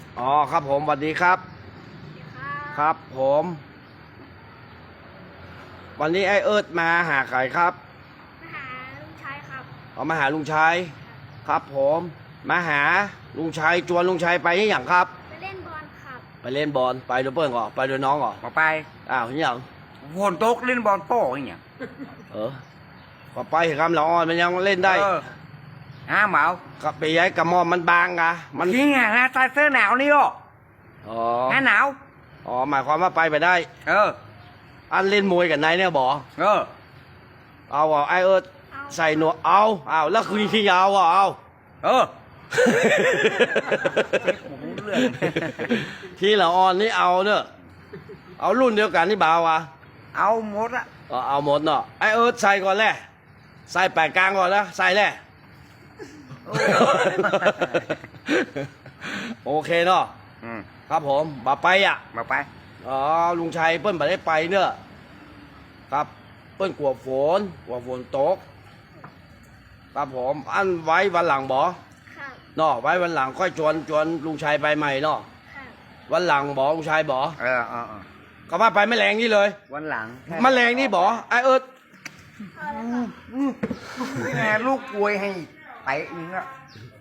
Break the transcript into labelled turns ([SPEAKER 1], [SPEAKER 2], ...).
[SPEAKER 1] อ๋อครับผมสวัสดีครับครับผมวันนี้ไอเอิร์ธมาหาใครครับ
[SPEAKER 2] มาหาลุงชายครับ
[SPEAKER 1] มาหาลุงชัยครับผมมาหาลุงชัยจวนลุงชัยไปนี่อย่างครับ
[SPEAKER 2] ไปเล่นบอลครับ
[SPEAKER 1] ไปเล่นบอลไปด้วยเพื่อนก่อไปด้วยน้องก่อ
[SPEAKER 3] มาไป
[SPEAKER 1] อ้าวนี่อย่าง
[SPEAKER 3] ฝนตกเล่นบอลโป้อย่างเงี้ย
[SPEAKER 1] ก็ไปเห็นคำละอ่อนมันยังเล่นได้
[SPEAKER 3] เหมา
[SPEAKER 1] กับไปย้ายกระมอมมันบางอะมัน
[SPEAKER 3] จริงไงฮะใส่เสื้อหนาวนี่
[SPEAKER 1] อ๋อ
[SPEAKER 3] หนาว
[SPEAKER 1] หมายความว่าไปได้อันเล่นมวยกับนายเนี่ยบอเอาไอเอิร์ธใส่หนวดเอาแล้วคือขี้ยาวเอาที่ละอ่อนนี่เอาเนอะเอารุ่นเดียวกันนี่บ่าวะ
[SPEAKER 3] เอาหมดอะ
[SPEAKER 1] เอาหมดเนาะไอเอิร์ธใส่ก่อนแหละใส่แปดกลางก่อนนะใส่แหละโอเคเนาะครับผมมาไป
[SPEAKER 3] มาไป
[SPEAKER 1] ลุงชัยเปิ้ลมาได้ไปเนอะครับเปิ้ลกลัวฝนตกครับผมอันไว้วันหลังบอเนาะไว้วันหลังค่อยชวนลุงชัยไปใหม่เนาะวันหลังบอลุงชัยบอก็มาไปไม่แรงนี่เลย
[SPEAKER 3] วันหลัง
[SPEAKER 1] มาแรงนี่บอไอเอิร์ธ
[SPEAKER 3] แม่ลูกกวยให้ไปนึงอะ